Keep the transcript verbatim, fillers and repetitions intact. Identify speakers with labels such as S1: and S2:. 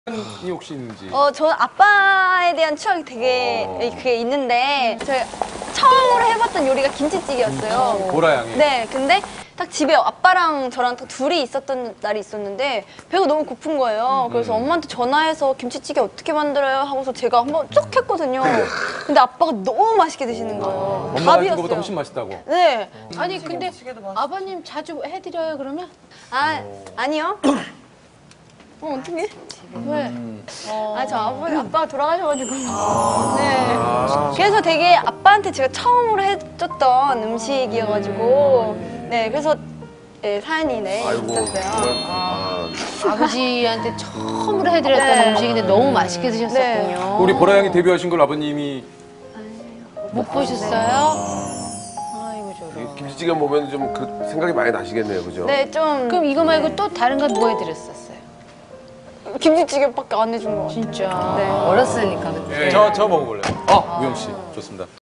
S1: 이 혹시 있는지?
S2: 어, 저는 아빠에 대한 추억이 되게
S1: 어.
S2: 그게 있는데 제가 처음으로 해봤던 요리가 김치찌개였어요.
S1: 보라 양이.
S2: 네, 근데 딱 집에 아빠랑 저랑 딱 둘이 있었던 날이 있었는데 배가 너무 고픈 거예요. 그래서 엄마한테 전화해서 김치찌개 어떻게 만들어요? 하고서 제가 한번 쭉 했거든요. 근데 아빠가 너무 맛있게 드시는 거예요.
S1: 엄마가 한
S2: 밥이었어요.
S1: 거보다 훨씬 맛있다고.
S2: 네.
S3: 아니 근데 아버님 자주 해드려요 그러면?
S2: 아, 아니요. 어, 어떡해?
S3: 왜?
S2: 아, 저 아빠, 아빠가 돌아가셔가지고. 네. 그래서 되게 아빠한테 제가 처음으로 해줬던 음식이어가지고. 네, 그래서 네, 사연이 네, 있었어요.
S3: 아, 아버지한테 처음으로 해드렸던
S2: 네.
S3: 음식인데 너무 맛있게 드셨었군요.
S2: 네.
S1: 우리 보라 양이 데뷔하신 걸 아버님이
S3: 못 보셨어요? 아이고 저런.
S4: 김치찌개 보면 좀 그 생각이 많이 나시겠네요, 그죠?
S2: 네, 좀.
S3: 그럼 이거 말고 또 다른 건 뭐 해드렸었어요?
S2: 김치찌개밖에 안 해준 거 같아요.
S3: 진짜.
S2: 네.
S3: 어렸으니까 그때.
S1: 저, 저 먹어볼래요. 아, 우영 씨. 좋습니다.